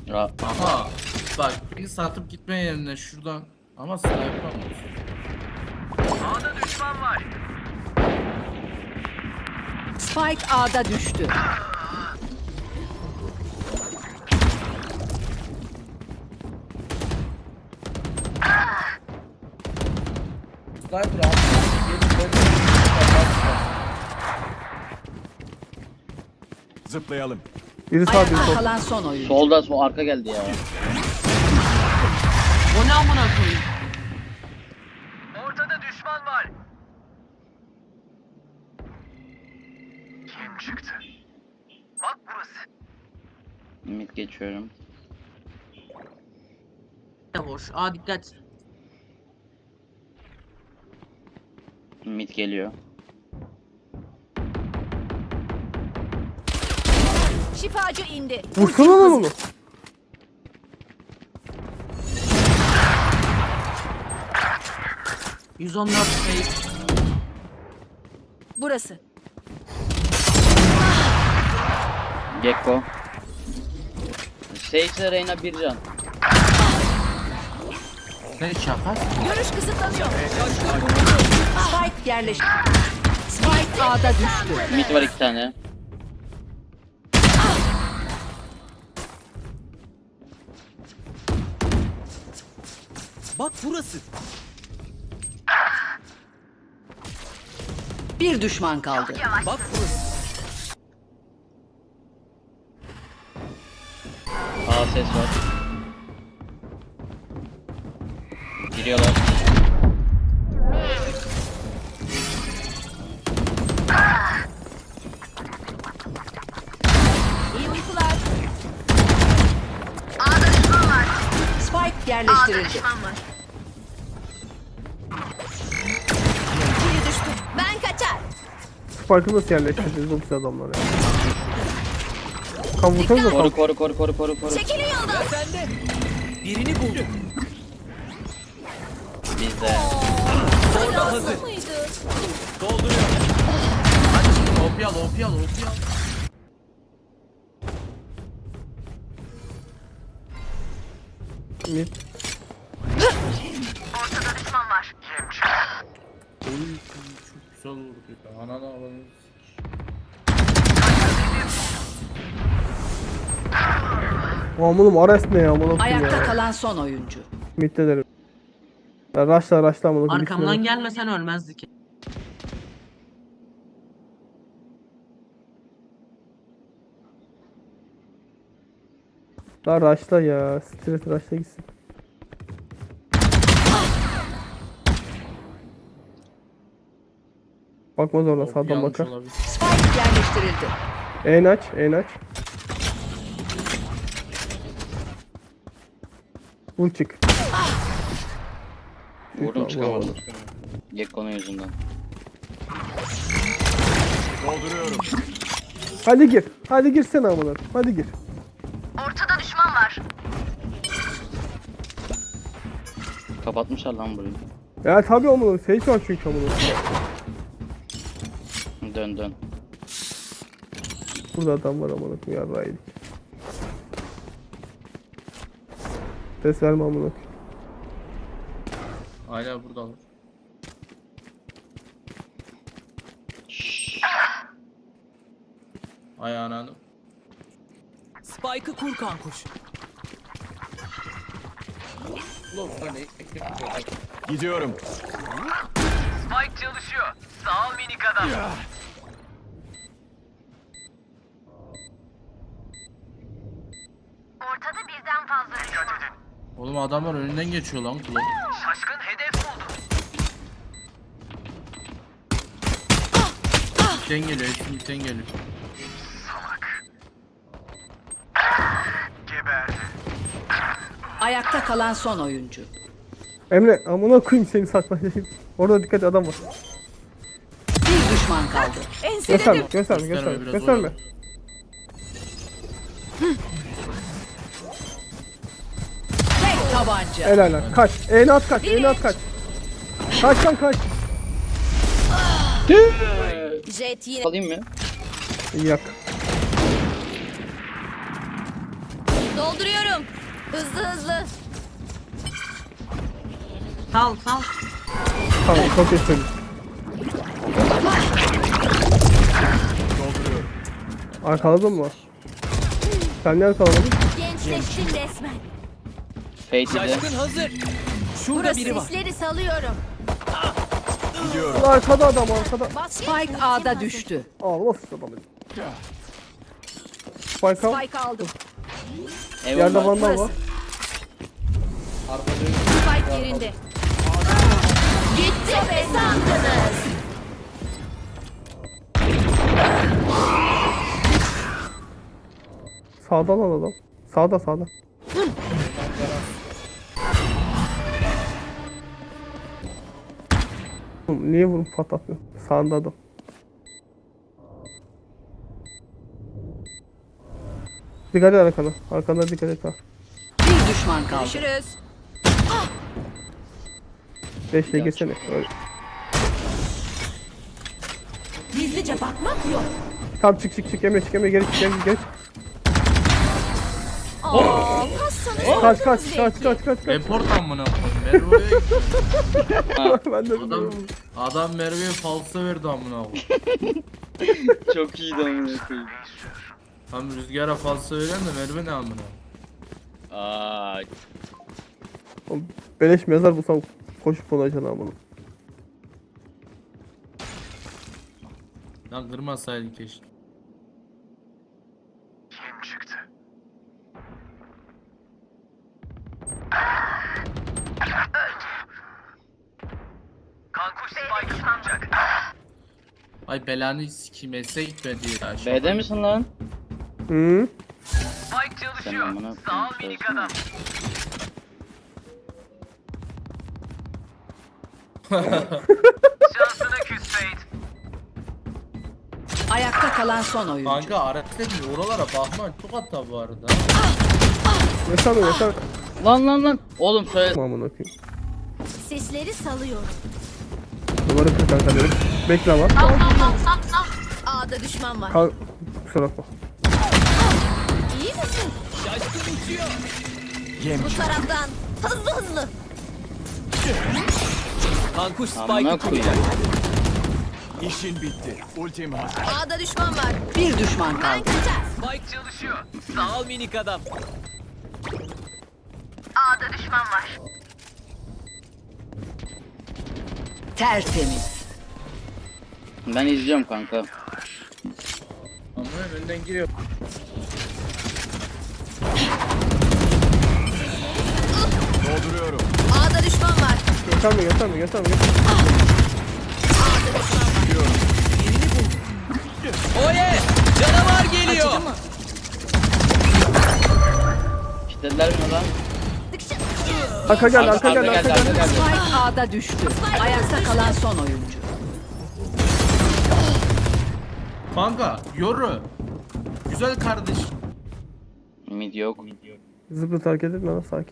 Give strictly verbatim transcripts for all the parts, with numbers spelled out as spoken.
Ra Aha. Bak bir satıp gitme yerine şuradan. Ama sniper almıyorsun. A'da düşman var. Spike A'da düştü. Sniper al. Zıplayalım. Biri sağ biri Ayakta sol. kalan son oyuncu. solda sol arka geldi ya. O ne amına koyayım? Ortada düşman var. Kim çıktı? Bak burası. Mid geçiyorum. Ya boş. Aa dikkat. Mid geliyor. Şifacı indi. Vursana lan onu. yüz on dört şey. Burası. Gekko. Sage Reyna bir can. Ne şaka? Görüş kısıtlanıyor. Spike yerleşti. Spike A'da düştü. Mid var iki tane. Bak burası. Bir düşman kaldı. Bak burası. Aa ses var. Giriyorlar. İyi uykular. A'da düşman var. Spike yerleştirildi. Biri düştü. Ben kaçar. Spike'ı nasıl yerleştireceğiz bu pis adamlar ya? Kan vursanız da Koru kan. koru koru koru koru koru. Çekilin yoldan. Sende. Birini buldum. Bizde. Orada hazır. Dolduruyorum. O P al, O P al, O P al. Mid. Ortada düşman var. Kim çıktı? Oy, çok güzel vurdu ya. Ananı alanı. Amanım Ares ne ya? Amanım Ayakta ya. kalan son oyuncu. Mid'de derim. Ya raşla raşla amanım. Arkamdan gelmesen ölmezdi ki. Daha raşla ya. Stres raşla gitsin. Bakmaz oradan O P sağdan yanlış bakar. olabilir. Spike yerleştirildi. En aç, en aç. Vur çık. Vurdum çıkamadım. Vuramadım. Gekko'nun yüzünden. Dolduruyorum. Hadi gir. Hadi girsene amına. Hadi gir. Ortada düşman var. Kapatmışlar lan burayı. Ya tabii amına. Sage var çünkü amına. Dön dön. Burada adam var amına. Yarrağı yedik. Ses verme amına. Hala buradalar. Ay ananı. Spike'ı kur kankuş. Ulan hani ekmek koyacak. Gidiyorum. Spike çalışıyor. Sağ ol minik adam. Ortada birden fazla düşman. Dikkat edin. Oğlum adamlar önünden geçiyor lan kulak. Şaşkın hedef buldu. Bitten geliyor, hepsi bitten geliyor. Salak. Geberdi. Ayakta kalan son oyuncu. Emre amına koyayım seni saklayayım. Orada dikkat adam var. Bir düşman kaldı. Gösterme, gösterme, Gösterme, gösterme. biraz Gösterme. oyalan. Tek tabanca. Helal lan. Kaç. Eğne at kaç. Eğne at kaç. Kaç lan kaç. Jet yine. Alayım mı? Yak. Dolduruyorum. Hızlı hızlı. Sal sal. Tamam çok iyi söyledin. Dolduruyorum. Arkaladın mı? Sen ne arkaladın? Gençleştin resmen. Fate'de. Burası sesleri salıyorum. Gidiyorum. Arkada adam arkada. Spike A'da düştü. Aa nasıl adam? Spike al. Spike aldım. Yerde Eyvallah. vandal var. Spike yerinde. Gitti be sandınız. Sağdan al adam. Sağda sağda. Oğlum, niye vurup patlatmıyor? Sağında adam. Dikkat et arkana. Arkana dikkat et ha. Bir düşman kaldı. Görüşürüz. Beşle geçsene. Öyle. Gizlice bakmak yok. Tamam çık çık çık. Emre çık Emre geri çık Emre geri çık. Aa, kassanız Kaç kaç kaç kaç kaç kaç. Report amına koyayım. Merve'ye Ben de adam bilmiyorum. adam Merve'ye falso verdi amına koyayım. Çok iyiydi amına koyayım. Tam Rüzgar'a falso veren de Merve ne amına. Aa, Oğlum, beleş mezar bulsam koşup olacaksın ama bunu. Lan kırmasaydın keşke. Kim çıktı? Kankuş Spike tutacak. Ay belanı sikeyim S'e gitmedi ya. Şu B'de misin lan? Hı? Spike çalışıyor. Sen amına Sağ ol koyayım, minik söylesene. adam. Şansına küs Fate. Ayakta kalan son oyuncu. Kanka araç dedi oralara bakma çok hatta bu arada. Yaşar mı yaşar? Lan lan lan. Oğlum söyle. Tamam bunu okuyayım. sesleri salıyorum. Duvarı kır kanka dedim. Bekle ama. A'da düşman var. Kal. Kusura bakma. İyi misin? Yem. Bu taraftan. Hızlı hızlı. Amına koyayım. İşin bitti. Ultim hazır. A'da düşman var. Bir düşman Ben kaldı. kaçar. Spike çalışıyor. Sağ ol minik adam. A'da düşman var. Tertemiz. Ben izliyorum kanka. Ama önden giriyor. Dolduruyorum. A'da düşman var. Gösterme gösterme gösterme. gösterme. A'da düşman var. Acıdı mı? Kitlediler mi lan? Dıkşı. Arka gel Arka, arka arka gel geldi, arka arka gel. geldi. Spike A'da düştü. Ayakta kalan son oyuncu. Kanka yoru. Güzel kardeş. Mid yok. Zıplıt hareket etme lan sakin.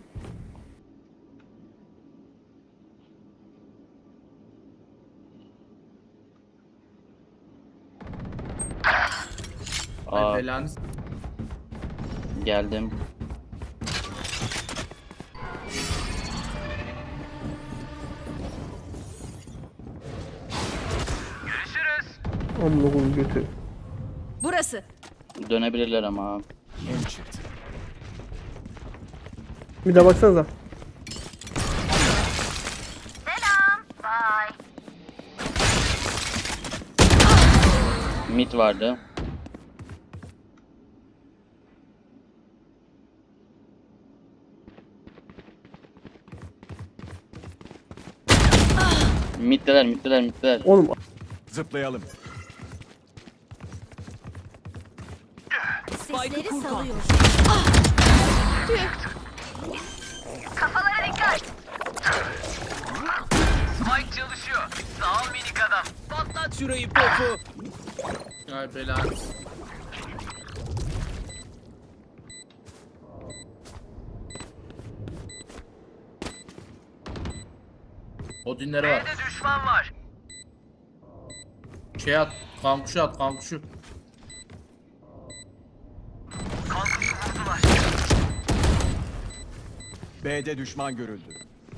Ay Aa, belanı s- geldim. Görüşürüz. Amına koyayım götü. Burası. Dönebilirler ama. Yem çıktı. Bir de baksanıza. Selam. Bye. Mid vardı. Middeler, middeler, middeler. Oğlum Zıplayalım. Sesleri salıyorum. Spike çalışıyor. Sağ ol minik adam. Patlat şurayı. Ay belanı s- Odinleri var. B'de düşman var. Şey at, kankuşu at, kankuşu. Kankuşu vurdular. B'de düşman görüldü.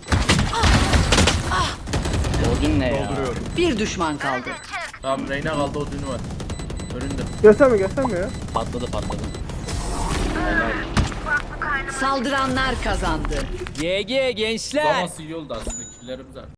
Odin ne ya? Dolduruyorum. Bir düşman kaldı. Tamam Reyna kaldı, o dünü var. Önünde. Gösterme gösterme ya. Patladı patladı. Saldıranlar kazandı. Zamansı iyi oldu aslında, killerimiz var.